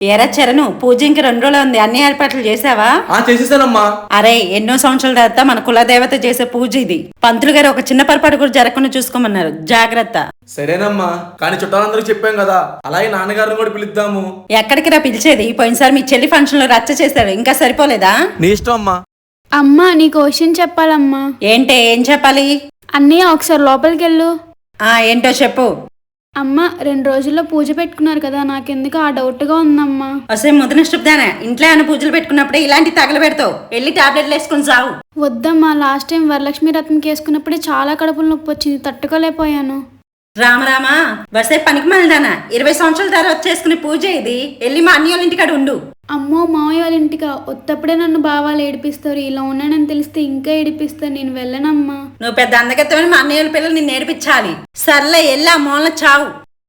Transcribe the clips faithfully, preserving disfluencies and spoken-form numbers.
ఎరా చరణు, పూజ ఇంక రెండు రోజులు ఉంది. అన్ని ఏర్పాట్లు చేసావా? ఆ చేసేసానమ్మా. అరే, ఎన్నో సంవత్సరాల తర్వాత మన కులదేవత చేసే పూజ ఇది. పంతులు గారు ఒక చిన్న పొరపాటు కూడా జరగకుండా చూసుకోమన్నారు. జాగ్రత్త. సరేనమ్మా, కానీ చుట్టాలందరికి చెప్పాం కదా, అలాగే నాన్నగారిని కూడా పిలుద్దాము. ఎక్కడికి రా పిలిచేది? పోయినసారి మీ చెల్లి ఫంక్షన్ లో రచ్చ చేశారు, ఇంకా సరిపోలేదా? నీ ఇష్టం అమ్మా. అమ్మా, నీకు క్వశ్చన్ చెప్పాలమ్మా. ఏంటే, ఏం చెప్పాలి? అన్నయ్య ఒకసారి లోపలికి వెళ్ళు. ఆ ఏంటో చెప్పు. అమ్మ, రెండు రోజుల్లో పూజ పెట్టుకున్నారు కదా, నాకెందుకు ఆ డౌట్ గా ఉందమ్మా. అసలు ముదనష్టదానా, ఇంట్లో ఏమైనా పూజలు పెట్టుకున్నప్పుడే ఇలాంటి తగలబెడతావు. వెళ్ళి టాబ్లెట్లు వేసుకుని సావు. వద్దమ్మా, లాస్ట్ టైం వరలక్ష్మి రథంకి వేసుకున్నప్పుడే చాలా కడుపులు నొప్పి వచ్చింది, తట్టుకోలేకపోయాను. రామరామా, వసే పనికి మళ్ళదానా, ఇరవై సంవత్సరాల తర్వాత చేసుకునే పూజ ఇది. వెళ్ళి మా అన్నయ్య వాళ్ళ ఇంటికాడ ఉండు. అమ్మో, మావయ్య వాళ్ళ ఇంటికా? ఒత్తప్పుడే నన్ను బావాలు ఏడిపిస్తారు, ఇలా ఉన్నానని తెలిస్తే ఇంకా ఏడిపిస్తారు, నేను వెళ్ళనమ్మా. నువ్వు పెద్ద అందగత్తమని మా అన్నయ్య వాళ్ళ పిల్లలు నిన్ను నేర్పించాలి. సర్లే, వెళ్ళి ఆ మూలన చావు.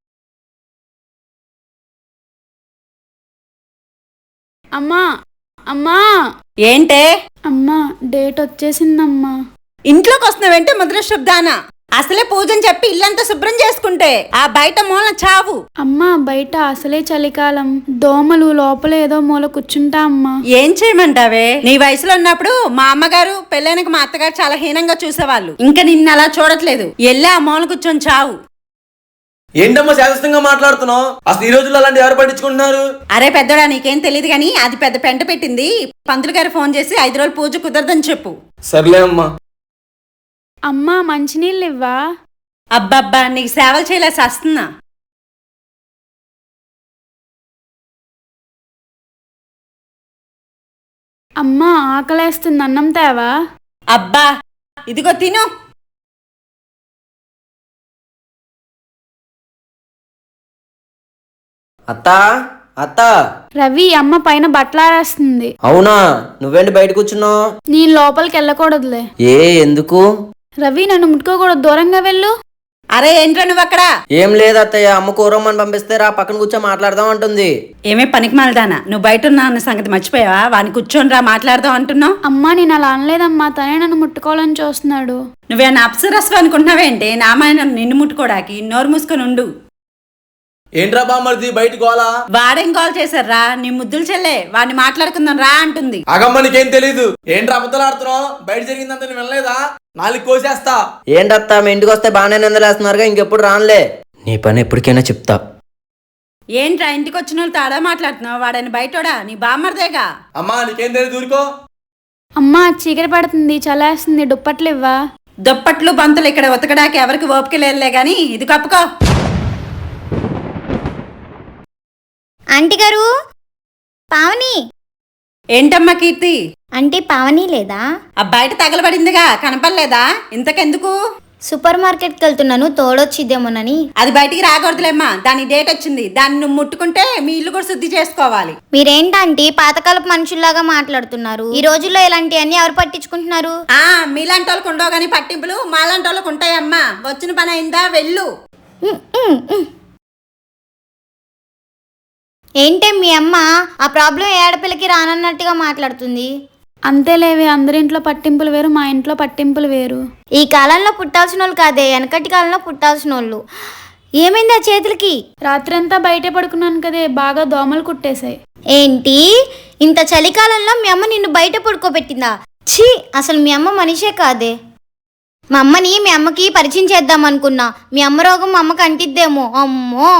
అమ్మా అమ్మా ఏంటే? అమ్మా, డేట్ వచ్చేసిందమ్మా. ఇంట్లోకి వస్తున్నావేంటే ముద్రశబ్దానా? అసలే పూజని చెప్పి ఇల్లంతా శుభ్రం చేసుకుంటే ఆ బయట మూల చావు. అమ్మా, బయట అసలే చలికాలం, దోమలు, లోపల ఏదో మూల కూర్చుంటా అమ్మా. ఏం చేయమంటావే? నీ వయసులో ఉన్నప్పుడు మా అమ్మగారు పెళ్ళైనక మా అత్తగారు చాలా హీనంగా చూసేవాళ్ళు. ఇంకా నిన్ను అలా చూడట్లేదు. వెళ్ళి ఆ మూల కూర్చొని చావు. ఏంటమ్మా శాస్త్రంగా మాట్లాడుతున్నావు? అసలు ఈ రోజుల్లో అలాంటి ఎవరు పట్టించుకుంటున్నారు? అరే పెద్దోడా, నీకేం తెలియదు గాని అది పెద్ద పెంట పెట్టింది. పంతులు గారు ఫోన్ చేసి ఐదు రోజులు పూజ కుదరదని చెప్పు. సర్లే అమ్మా. అమ్మా, మంచినీళ్ళు ఇవ్వా? అబ్బబ్బా, నీకు సేవలు చేయలేసి వస్తున్నా. అమ్మా, ఆకలేస్తుంది, అన్నం తేవా? అబ్బా, ఇదిగో తిను. అత్తా అత్తా రవి, అమ్మ పైన బట్టలారేస్తుంది. అవునా? నువ్వేంటి బయట కూర్చున్నావు? నేను లోపలికి వెళ్ళకూడదులే. ఏ ఎందుకు? రవి, నన్ను ముట్టుకోకూడదు, దూరంగా వెళ్ళు. అరే ఏంట్రా నువ్వు అక్కడ? ఏం లేదు అత్తయ్య, అమ్మ కూరమ్మని పంపిస్తే రా పక్కన కూర్చో మాట్లాడదాం అంటుంది. ఏమే పనికి మాలదానా, నువ్వు బయట ఉన్నా అన్న సంగతి మర్చిపోయావా? వాడిని కూర్చొని రా మాట్లాడదాం అంటున్నావు. అమ్మా, నేను అలా అనలేదమ్మా, తనే నన్ను ముట్టుకోవాలని చూస్తున్నాడు. నువ్వేనా అప్సరస్వ అనుకుంటున్నావేంటి? నామాయణ నిన్ను ముట్టుకోడానికి? నోరు మూసుకొని ఉండు. ఏంట్రా బామ్మర్ది బయట గోలా? వాడేం కాల్ చేశారా? నీ ముద్దులు చెల్లే, వాడిని మాట్లాడుకుందాం రా అంటుంది. ఆగమ్మ, నీకేం తెలీదు. ఏంట్రా అబద్ధాలు ఆడుతున్నావు? బయట జరిగిందంతా నేను వినలేదా? నాలుగు కోసేస్తా. ఏంటత్తా, మీ ఇంటికి వస్తే బాగానే నిందలేస్తున్నారుగా, ఇంకెప్పుడు రానులే. నీ పని ఎప్పటికైనా చెప్తా. ఏంట్రా ఇంటికి వచ్చిన వాళ్ళు తాడా మాట్లాడుతున్నావు? వాడని బయటోడా? నీ బామ్మర్దేగా. అమ్మా, నీకేం తెలియదు, ఊరుకో. అమ్మా, చీకటి పడుతుంది, చలేస్తుంది, దుప్పట్లు ఇవ్వా? దుప్పట్లు బంతులు ఇక్కడ ఉతకడానికి ఎవరికి ఓపిక లేదులే గాని ఇది కప్పుకో. ఆంటీ గారు, పావని. ఏంటమ్మా కీర్తి? ఆంటీ, పావని లేదా? ఆ బయట తగలబడిందిగా, కనపడలేదా? ఇంతకెందుకు? సూపర్ మార్కెట్కి వెళ్తున్నాను, తోడొచ్చిద్దేమోనని. అది బయటికి రాకూడదులేమ్మా, దాని డేట్ వచ్చింది. దాన్ని నువ్వు ముట్టుకుంటే మీ ఇల్లు కూడా శుద్ధి చేసుకోవాలి. మీరేంటంటీ పాతకాలపు మనుషుల్లాగా మాట్లాడుతున్నారు? ఈ రోజుల్లో ఇలాంటివన్నీ ఎవరు పట్టించుకుంటున్నారు? ఆ మీలాంటి వాళ్ళకు ఉండవు గాని పట్టింపులు, మాలాంటి వాళ్ళకు ఉంటాయమ్మా. వచ్చిన పని అయిందా? వెళ్ళు. ఉమ్, ఉమ్, ఉమ్. ఏంటే మీ అమ్మ ఆ ప్రాబ్లం ఏ ఆడపిల్లకి రానన్నట్టుగా మాట్లాడుతుంది? అంతేలేవే, అందరింట్లో పట్టింపులు వేరు, మా ఇంట్లో పట్టింపులు వేరు. ఈ కాలంలో పుట్టాల్సిన వాళ్ళు కాదే, వెనకటి కాలంలో పుట్టాల్సిన వాళ్ళు. ఏమైంది ఆ చేతులకి? రాత్రంతా బయటే పడుకున్నాను కదే, బాగా దోమలు కుట్టేశాయి. ఏంటి, ఇంత చలికాలంలో మీ అమ్మ నిన్ను బయట పడుకోబెట్టిందా? ఛీ, అసలు మీ అమ్మ మనిషే కాదే. మా అమ్మని మీ అమ్మకి పరిచయం చేద్దాం అనుకున్నా. మీ అమ్మ రోగం మా అమ్మకి అంటిద్దేమో. అమ్మో.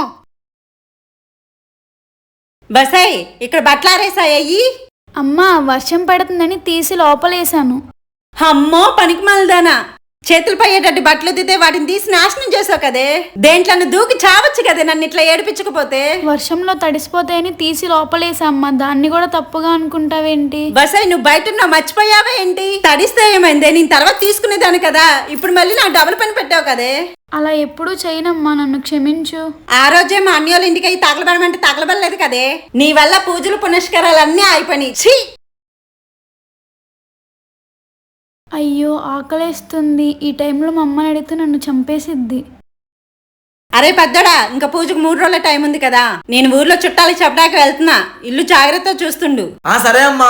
బసై, ఇక్కడ బట్టలారేసాయి. అమ్మా, వర్షం పడుతుందని తీసి లోపలేసాను. అమ్మో పనికి మలదానా, చేతులు పయ్యేటట్టు బట్టలు దిద్దే వాటిని తీసి నాశనం చేసావు కదే. దేంట్లో దూకి చావచ్చు కదే నన్ను ఇట్లా ఏడిపించకపోతే. వర్షంలో తడిసిపోతాయని తీసి లోపలేసా అమ్మా, దాన్ని కూడా తప్పుగా అనుకుంటావేంటి? బసై, నువ్వు బయట ఉన్నావు, మర్చిపోయావా ఏంటి? తడిస్తే ఏమైందే, నేను తర్వాత తీసుకునేదాన్ని కదా. ఇప్పుడు మళ్ళీ నాకు డబుల్ పని పెట్టావు కదే. అలా ఎప్పుడూ చేయనమ్మా, నన్ను క్షమించు. ఆ రోజే మా అన్యోళ్ళ ఇంటికి అయి తగలబడమంటే తగలబడలేదు కదే. నీ వల్ల పూజలు పునస్కారాలు అన్నీ అయిపోయినాయి. ఛీ! అయ్యో, ఆకలేస్తుంది. ఈ టైంలో మా అమ్మని అడిగితే నన్ను చంపేసిద్ది. అరే పెద్దడా, ఇంకా పూజకు మూడు రోజుల టైం ఉంది కదా. నేను ఊర్లో చుట్టాలకి చెప్పడానికి వెళ్తున్నా, ఇల్లు జాగ్రత్తగా చూస్తుండు. ఆ సరే అమ్మా.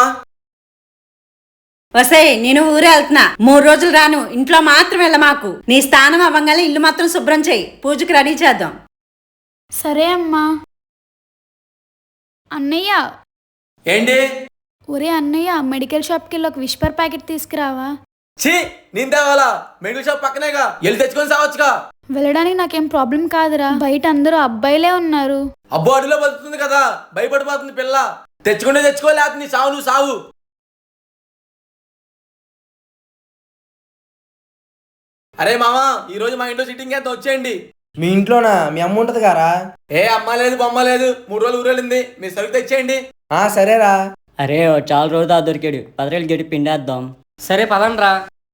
వసే, నేను ఊరే వెళ్తున్నా, మూడు రోజులు రాను. ఇంట్లో మాత్రం వెళ్ళ మాకు. నీ స్థానం అవ్వగానే ఇల్లు మాత్రం శుభ్రం చేయి, పూజకి రెడీ చేద్దాం. సరే అమ్మా. అన్నయ్య, ఏంటి? ఒరే అన్నయ్య, మెడికల్ షాప్కి వెళ్ళి ఒక విస్పర్ ప్యాకెట్ తీసుకురావా. ఛీ, నేను తేవాలా? మెడికల్ షాప్ పక్కనేగా, వెళ్ళి తెచ్చుకొని సావచ్చుగా. వెళ్ళడానికి నాకేం ప్రాబ్లం కాదురా, బయట అందరూ అబ్బాయిలే ఉన్నారు. అబ్బో, అడిలో బతుకుతుంది కదా, భయపడిపోతుంది పిల్ల. తెచ్చుకుంటే తెచ్చుకోలే, నీ సావు నువ్వు సావు. అరే మామా, ఈ రోజు మా ఇంట్లో సిట్టింగ్ ఎంత వచ్చేయండి. మీ ఇంట్లోనా? మీ అమ్మ ఉంటది కారా? ఏ అమ్మ లేదు బొమ్మ లేదు, మూడు రోజులు ఊరెళ్ళింది. మీ సరుకు తెచ్చేయండి. ఆ సరేరా. అరే ఓ చాలా రోజుదా దొరికాడు, పదరేళ్ళు గడి పిండేద్దాం. సరే పదండ్రా.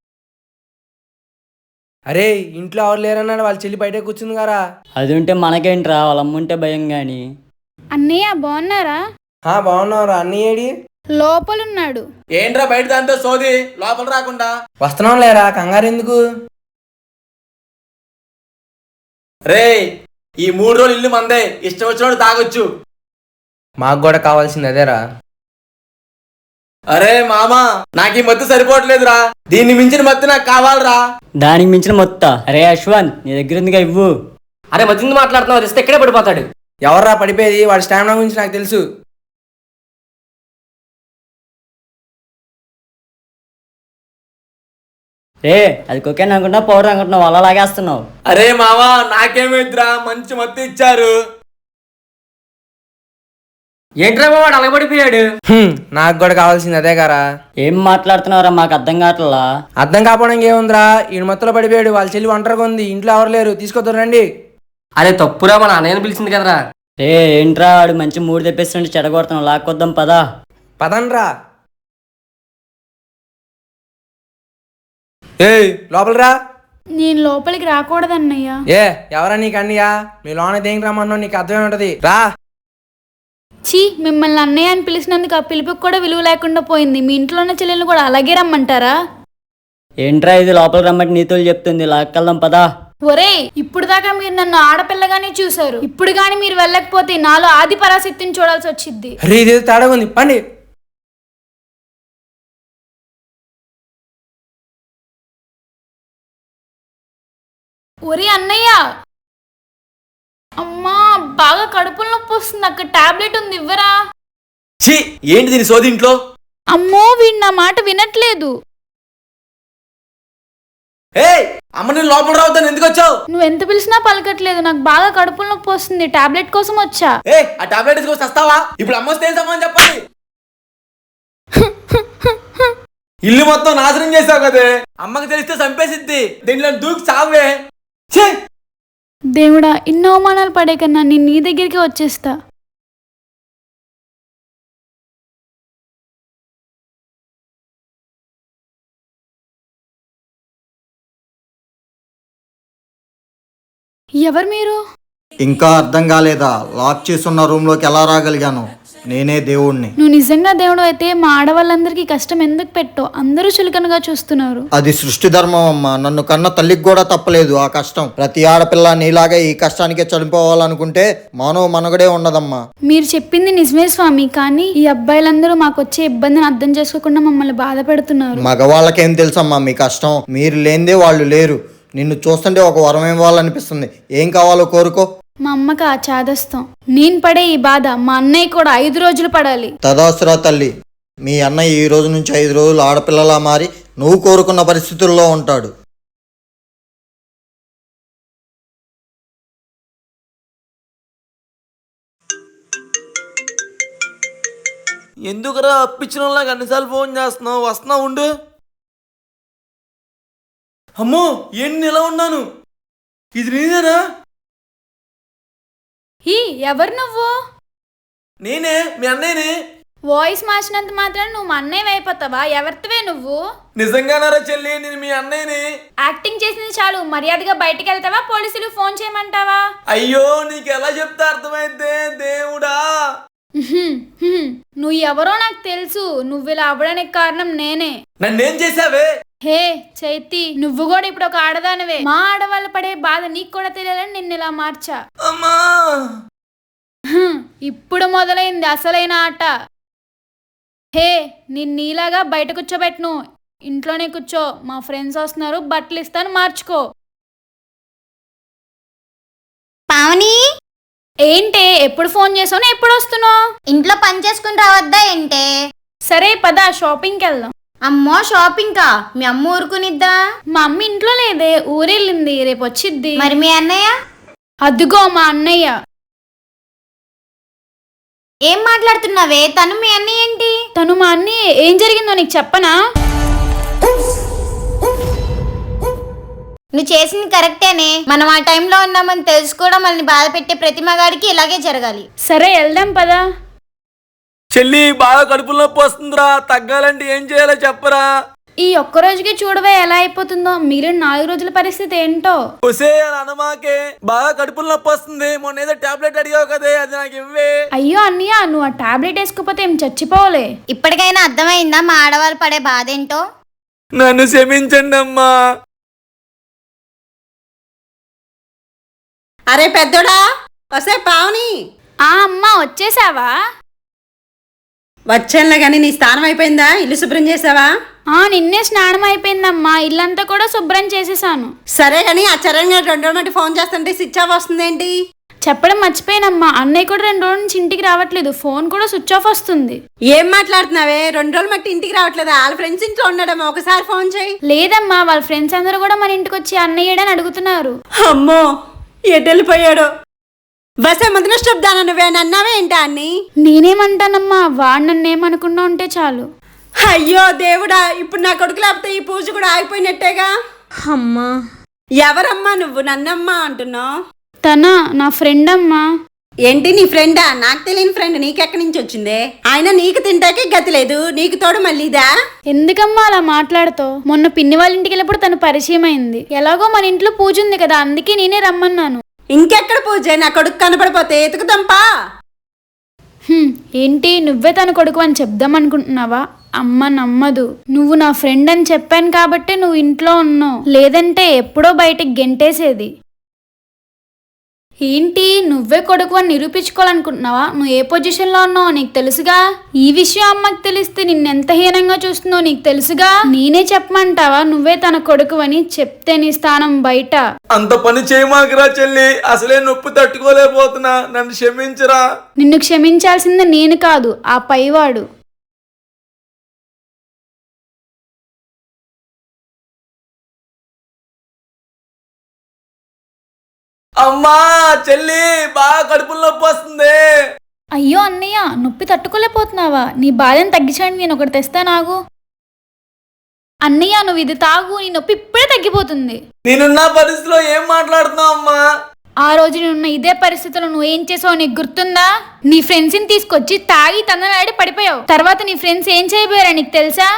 అరే ఇంట్లో ఎవరు లేరన్నాడు, వాళ్ళ చెల్లి బయట కూర్చుంది కారా. అది ఉంటే మనకేంట్రా, వాళ్ళ అమ్ముంటే భయం గాని. అన్నయ్య బాగున్నారా? ఆ బాగున్నావురా. అన్నీ ఏడి? లోపలున్నాడు. ఏంట్రా బయట దాంతో సోది, లోపల రాకుండా? వస్తున్నాం లేరా, కంగారు ఎందుకు? రే, ఈ మూడు రోజులు ఇల్లు మందే, ఇష్టం వచ్చినోడు తాగొచ్చు. మాకు కూడా కావాల్సింది అదేరా. అరే మామా, నాకు ఈ మత్తు సరిపోవట్లేదురా, దీన్ని మించిన మత్తు నాకు కావాలరా. దానికి మించిన మొత్త. అరే అశ్వన్, నీ దగ్గర ఉందిగా ఇవ్వు. అరే మధ్య మాట్లాడుతున్నావు, ఇస్తే ఇక్కడే పడిపోతాడు. ఎవర్రా పడిపోయేది? వాడి స్టామినా గురించి నాకు తెలుసు. రే అది కొకేన్ అనుకుంటున్నావు, పౌడర్ అనుకుంటున్నావు, అలా లాగేస్తున్నావు. అరే మామా, నాకేమిద్రా, మంచి మత్తు ఇచ్చారు. ఏంట్రా వాడు అలగబడిపోయాడు? హ్మ్, నాకు కూడా కావాల్సింది అదే కారా. ఏం మాట్లాడుతున్నావురా, మాకు అర్థం కావట్లా. అర్థం కాపోవడానికి ఏముందిరా, ఈయన మొత్తంలో పడిపోయాడు. వాళ్ళ చెల్లి ఒంటరిగా ఉంది, ఇంట్లో ఎవరు లేరు, తీసుకొద్దు రండి. అరే తప్పురా, మన అన్నయ్యని పిలిచింది కదరా. రే ఏంట్రా, వాడు మంచి మూడు తెప్పిస్తుంటే చెడగొడుతున్నావు, లాక్కొద్దాం పదా. పదండ్రా. ఏయ్ లోపలరా. నేను లోపలికి రాకూడదన్నయ్య. ఏ ఎవరా నీకు అన్నయ్యా? మీ లోన దేనికి రమ్మన్నావు, నీకు అర్థమే ఉంటది, రా. చీ, మిమ్మల్ని అన్నయ్య అని పిలిచినందుకు ఆ పిలుపుకి కూడా విలువ లేకుండా పోయింది. మీ ఇంట్లో ఉన్న చెల్లెలు కూడా అలాగే రమ్మంటారా? ఏంట్రా ఇది, లోపలికి రమ్మంటే నీతులు చెప్తుంది, లాక్కెళ్దాం పదా. ఒరే, ఇప్పుడు దాకా మీరు నన్ను ఆడపిల్లగానే చూసారు, ఇప్పుడు గాని మీరు వెళ్ళకపోతే నాలో ఆది పరాశక్తిని చూడాల్సి వచ్చింది. అరే ఇదేదో తేడాగా ఉంది, పండి. ఒరే అన్నయ్య, అమ్మా బాగా కడుపులో నొప్పి వస్తుంది, అక్కడ టాబ్లెట్ ఉంది, ఇవ్వరా. ఛీ, ఏంటి దీని సోది ఇంట్లో? అమ్మో, వీడు నా మాట వినట్లేదు. ఏ అమ్మ, నేను లోపల రావద్దాను, ఎందుకు వచ్చావు? నువ్వు ఎంత పిలిచినా పలకట్లేదు, నాకు బాగా కడుపులో నొప్పి వస్తుంది, టాబ్లెట్ కోసం వచ్చా. ఏ ఆ టాబ్లెట్ తీసుకొచ్చి వస్తావా? ఇప్పుడు అమ్మ వస్తే ఏం సమాధానం చెప్పాలి? ఇల్లు మొత్తం నాశనం చేసావు కదే, అమ్మకి తెలిస్తే చంపేసిద్ది. దీంట్లో దూకి చావే. ఛీ, దేవుడా, ఇన్ని అవమానాలు పడే కన్నా నేను నీ దగ్గరికి వచ్చేస్తా. ఎవరు మీరు? ఇంకా అర్థం కాలేదా? లాక్ చేసున్న రూమ్ లోకి ఎలా రాగలిగాను? నేనే దేవుణ్ణి. నువ్వు నిజంగా దేవుడు అయితే మా ఆడవాళ్ళందరికీ కష్టం ఎందుకు పెట్టో? అందరూ చులకనగా చూస్తున్నారు. అది సృష్టి ధర్మం అమ్మా. నన్ను కన్న తల్లికి కూడా తప్పలేదు ఆ కష్టం. ప్రతి ఆడపిల్ల నీలాగే ఈ కష్టానికే చనిపోవాలనుకుంటే మానవ మనుగడే ఉండదమ్మా. మీరు చెప్పింది నిజమే స్వామి, కానీ ఈ అబ్బాయిలందరూ మాకు వచ్చే ఇబ్బందిని అర్థం చేసుకోకుండా మమ్మల్ని బాధ పెడుతున్నారు. మగవాళ్ళకేం తెలుసమ్మా మీ కష్టం? మీరు లేనిదే వాళ్ళు లేరు. నిన్ను చూస్తుంటే ఒక వరం ఇవ్వాలనిపిస్తుంది. ఏం కావాలో కోరుకో. మా అమ్మకి ఆ చాదస్తం. నేను పడే ఈ బాధ మా అన్నయ్య కూడా ఐదు రోజులు పడాలి. తదాసురా తల్లి. మీ అన్నయ్య ఈ రోజు నుంచి ఐదు రోజులు ఆడపిల్లలా మారి నువ్వు కోరుకున్న పరిస్థితుల్లో ఉంటాడు. ఎందుకురా అప్పించిన వాళ్ళకి అన్నిసార్లు ఫోన్ చేస్తున్నావు? వస్తున్నా ఉండు. అమ్మో, ఏంటి ఇలా ఉన్నాను? ఇది నేనేనా? ఈ ఎవరు నువ్వు? నేనే, మీ అన్నయ్యని. వాయిస్ మార్చినంత మాత్రం నువ్వు మా అన్నయ్య అయిపోతావా? ఎవరితవే నువ్వు? నిజంగానారా చెల్లి, నేను మీ అన్నయ్యని. యాక్టింగ్ చేసింది చాలు, మర్యాదగా బయటికి వెళ్తావా? పోలీసులు ఫోన్ చేయమంటావా? అయ్యో, నీకు ఎలా చెప్తే అర్థమైతే దేవుడా. ఉహుం, ఉహుం. నువ్వు ఎవరో నాకు తెలుసు. నువ్వు ఇలా అవ్వడానికి కారణం నేనే. నన్నేం చేసావే? హే చైతి, నువ్వు కూడా ఇప్పుడు ఒక ఆడదానివే. మా ఆడవాళ్ళు పడే బాధ నీకు కూడా తెలియాలని నిన్ను ఇలా మార్చా. అమ్మా, హ్మ్, ఇప్పుడు మొదలైంది అసలైన ఆట. హే, నిన్ను నీలాగా బయట కూర్చోబెట్టను, ఇంట్లోనే కూర్చో. మా ఫ్రెండ్స్ వస్తున్నారు, బట్టలు ఇస్తాను, మార్చుకో. పావని, ఏంటే ఎప్పుడు ఫోన్ చేసావు ఎప్పుడు వస్తున్నావు? ఇంట్లో పని చేసుకుని రావద్దా ఏంటే? సరే పద షాపింగ్కి వెళ్దాం. అమ్మో షాపింగ్ కా? మీ అమ్మ ఊరుకునిద్దా? మా అమ్మ ఇంట్లో లేదే, ఊరెళ్ళింది, రేపు వచ్చిద్ది. మరి మీ అన్నయ్య? అదిగో మా అన్నయ్య. ఏం మాట్లాడుతున్నావే? తను మీ అన్నయ్య ఏంటి? తను మా అన్నయ్య. ఏం జరిగిందో నీకు చెప్పనా? నువ్వు చేసింది కరెక్టేనే. మనం ఆ టైంలో ఉన్నామని తెలుసుకోవడం మనల్ని బాధ పెట్టే ప్రతి మగాడికి ఇలాగే జరగాలి. సరే వెళ్దాం పదా. చెల్లి బాగా కడుపులో నొప్పి వస్తుందిరా, తగ్గాలంటే ఏం చేయాలో చెప్పరా. ఈ ఒక్క రోజుకి చూడవే ఎలా అయిపోతుందో, మిగిలిన నాలుగు రోజుల పరిస్థితి ఏంటో. ఒసే అనమాకే, బాగా కడుపులో నొప్పి వస్తుంది. మొన్న ఏదో టాబ్లెట్ అడిగావు కదే, అది నాకు ఇవ్వే. అయ్యో అన్నయ్య, నువ్వు ఆ టాబ్లెట్ వేసుకోపోతే ఏం చచ్చిపోవలే. ఇప్పటికైనా అర్థమైందా మా ఆడవాళ్ళు పడే బాధ ఏంటో? నన్ను క్షమించండి అమ్మా. అరే పెద్దోడా, వసే పావని. ఆ అమ్మా వచ్చేసావా? వచ్చానులే గాని నీ స్నానం అయిపోయిందా? ఇల్లు శుభ్రం చేసావా? ఆ నిన్నే స్నానం అయిపోయిందమ్మా, ఇల్లంతా కూడా శుభ్రం చేసేసాను. సరే గాని ఆ చరణ్ గారు రెండు రోజుల నుండి ఫోన్ చేస్తుంటే స్విచ్ ఆఫ్ వస్తుందేంటి? చెప్పడం మర్చిపోయానమ్మా, అన్నయ్య కూడా రెండు రోజుల నుంచి ఇంటికి రావట్లేదు, ఫోన్ కూడా స్విచ్ ఆఫ్ వస్తుంది. ఏం మాట్లాడుతున్నావే? రెండు రోజులు మట్టి ఇంటికి రావట్లేదా? వాళ్ళ ఫ్రెండ్స్ ఇంట్లో ఉండడమా? ఒకసారి ఫోన్ చేయి. లేదమ్మా, వాళ్ళ ఫ్రెండ్స్ అందరూ కూడా మన ఇంటికి వచ్చి అన్నయ్యడని అడుగుతున్నారు. అమ్మో ఎటు వెళ్ళిపోయాడు? వసే మొదటి శబ్దాన నువ్వే అన్నావే ఏంటా అన్ని? నేనేమంటానమ్మా, వాడు నన్నేమనుకున్నా ఉంటే చాలు. అయ్యో దేవుడా, ఇప్పుడు నా కొడుకు లేకపోతే ఈ పూజ కూడా ఆగిపోయినట్టేగా. అమ్మా ఎవరమ్మా నువ్వు నన్నమ్మా అంటున్నావు? తన నా ఫ్రెండ్ అమ్మా. ఏంటి నీ ఫ్రెండా? నాకు తెలియని ఫ్రెండ్ నీకెక్కడి నుంచి వచ్చిందే? ఆయన నీకు తింటాకే గతి లేదు, నీకు తోడు మళ్ళీదా? ఎందుకమ్మా అలా మాట్లాడుతావు? మొన్న పిన్ని వాళ్ళ ఇంటికి వెళ్ళినప్పుడు తను పరిచయం అయింది. ఎలాగో మన ఇంట్లో పూజ ఉంది కదా, అందుకే నేనే రమ్మన్నాను. ఇంకెక్కడ పూజ? నా కొడుకు కనపడిపోతే ఎతుకుతాంపా. హ్మ్, ఏంటి నువ్వే తన కొడుకు అని చెప్దాం అనుకుంటున్నావా? అమ్మ నమ్మదు. నువ్వు నా ఫ్రెండ్ అని చెప్పాను కాబట్టి నువ్వు ఇంట్లో ఉన్నావు, లేదంటే ఎప్పుడో బయటికి గెంటేసేది. ఏంటి నువ్వే కొడుకు అని నిరూపించుకోవాలనుకుంటున్నావా? నువ్వు ఏ పొజిషన్లో ఉన్నావో నీకు తెలుసుగా. ఈ విషయం అమ్మకి తెలిస్తే నిన్నెంత హీనంగా చూస్తుందో నీకు తెలుసుగా. నేనే చెప్పమంటావా నువ్వే తన కొడుకు అని? చెప్తే నీ స్థానం బయట. అంత పని చేయమాకరా చెల్లి, అసలే నొప్పి తట్టుకోలేకపోతున్నా, నన్ను క్షమించరా. నిన్ను క్షమించాల్సింది నేను కాదు, ఆ పైవాడు. అమ్మా చెల్లి, బాగా కడుపులో నొప్పి వస్తుంది. అయ్యో అన్నయ్య, నొప్పి తట్టుకోలేకపోతున్నావా? నీ బాధను తగ్గించండి, నేను ఒకటి తెస్తా నాగు. అన్నయ్య నువ్వు ఇది తాగు, నీ నొప్పి ఇప్పుడే తగ్గిపోతుంది. నేనున్న పరిస్థితిలో ఏం మాట్లాడుతున్నావు అమ్మా? ఆ రోజు నువ్వున్న ఇదే పరిస్థితుల్లో నువ్వు ఏం చేసావు నీకు గుర్తుందా? నీ ఫ్రెండ్స్ని తీసుకొచ్చి తాగి తందనాడి పడిపోయావు. తర్వాత నీ ఫ్రెండ్స్ ఏం చేయబోయారా నీకు తెలుసా?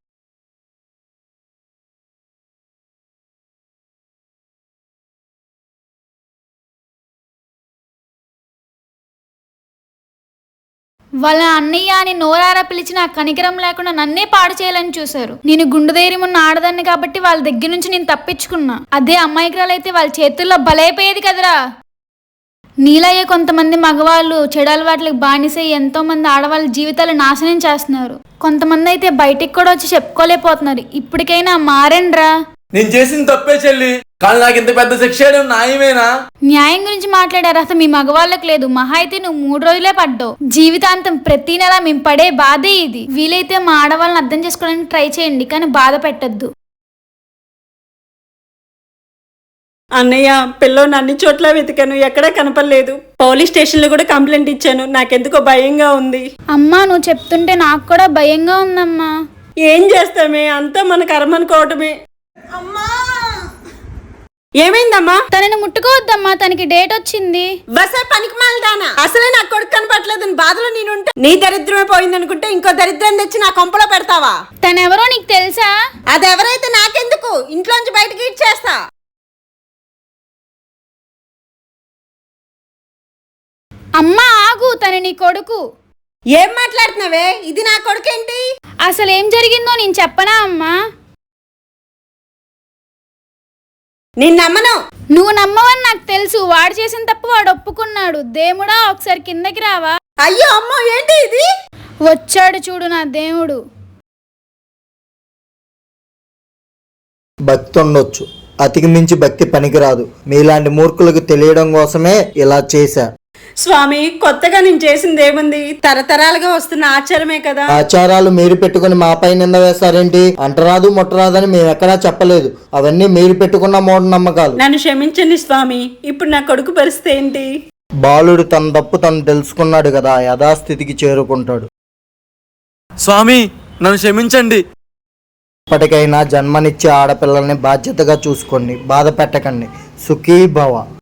వాళ్ళ అన్నయ్య అని నోరారా పిలిచి నా కనికరం లేకుండా నన్నే పాడు చేయాలని చూశారు. నేను గుండె ధైర్యం ఉన్న ఆడదాన్ని కాబట్టి వాళ్ళ దగ్గర నుంచి నేను తప్పించుకున్నా. అదే అమ్మాయికురాలైతే వాళ్ళ చేతుల్లో బలైపోయేది కదరా. నీలయ్యే కొంతమంది మగవాళ్ళు చెడు అలవాట్లకు బానిసై ఎంతో మంది ఆడవాళ్ళ జీవితాలు నాశనం చేస్తున్నారు. కొంతమంది అయితే బయటికి కూడా వచ్చి చెప్పుకోలేకపోతున్నారు. ఇప్పటికైనా మారండ్రా. నేను చేసిన తప్పే చెల్లి, కానీ నాకు ఇంత పెద్ద శిక్ష న్యాయమేనా? న్యాయం గురించి మాట్లాడారు అసలు మీ మగవాళ్ళకి లేదు. మహా అయితే నువ్వు మూడు రోజులే పడ్డావు. జీవితాంతం ప్రతి నెల మేము పడే బాధే ఇది. వీలైతే మా ఆడవాళ్ళని అర్థం చేసుకోవడానికి ట్రై చేయండి, కానీ బాధ పెట్టద్దు. అన్నయ్య, పిల్లోని అన్ని చోట్ల వెతికాను, ఎక్కడా కనపడలేదు. పోలీస్ స్టేషన్ లో కూడా కంప్లైంట్ ఇచ్చాను. నాకెందుకో భయంగా ఉంది. అమ్మా నువ్వు చెప్తుంటే నాకు కూడా భయంగా ఉందమ్మా. ఏం చేస్తామే, అంతా మన కర్మ అనుకోవటమే. ఏమైందమ్మా? తనని ముట్టుకోవద్దమ్మా, తనకి డేట్ వచ్చింది. బసే పనికి మాలదానా, అసలే నా కొడుకు కనపట్లేదు బాధలో నేనుంటే. నీ దరిద్రమే పోయిందనుకుంటే ఇంకో దరిద్రం తెచ్చి నా కొంపలో పెడతావా? తనెవరో నీకు తెలుసా? అదెవరైతే నాకెందుకు, ఇంట్లోంచి బయటకి ఇచ్చేస్తా. అమ్మా ఆగు, తన నీ కొడుకు. ఏం మాట్లాడుతున్నావే? ఇది నా కొడుకేంటి? అసలు ఏం జరిగిందో నేను చెప్పనా అమ్మా? నేను నమ్మను. నువ్వు నమ్మవని నాకు తెలుసు. వాడు చేసిన తప్పు వాడు ఒప్పుకున్నాడు. దేవుడా ఒకసారి కిందకి రావా? అయ్యో అమ్మో, ఏంటి ఇది? వచ్చాడు చూడు నా దేవుడు. భక్తి ఉండొచ్చు, అతికి మించి భక్తి పనికిరాదు. మీలాంటి మూర్ఖులకు తెలియడం కోసమే ఇలా చేశా. స్వామి కొత్తగా నేను చేసింది ఏముంది? తరతరాలుగా వస్తున్న ఆచారమే కదా. ఆచారాలు మీరు పెట్టుకుని మాపై నింద వేస్తారేంటి? అంటరాదు ముట్టరాదని మేము ఎక్కడా చెప్పలేదు. అవన్నీ మీరు పెట్టుకున్న మూఢనమ్మకాలు. నన్ను క్షమించండి స్వామి. ఇప్పుడు నా కొడుకు పరిస్థితి ఏంటి? బాలుడు తన తప్పు తను తెలుసుకున్నాడు కదా, యథాస్థితికి చేరుకుంటాడు. స్వామి నన్ను క్షమించండి. ఇప్పటికైనా జన్మనిచ్చే ఆడపిల్లల్ని బాధ్యతగా చూసుకోండి, బాధ పెట్టకండి. సుఖీ భవ.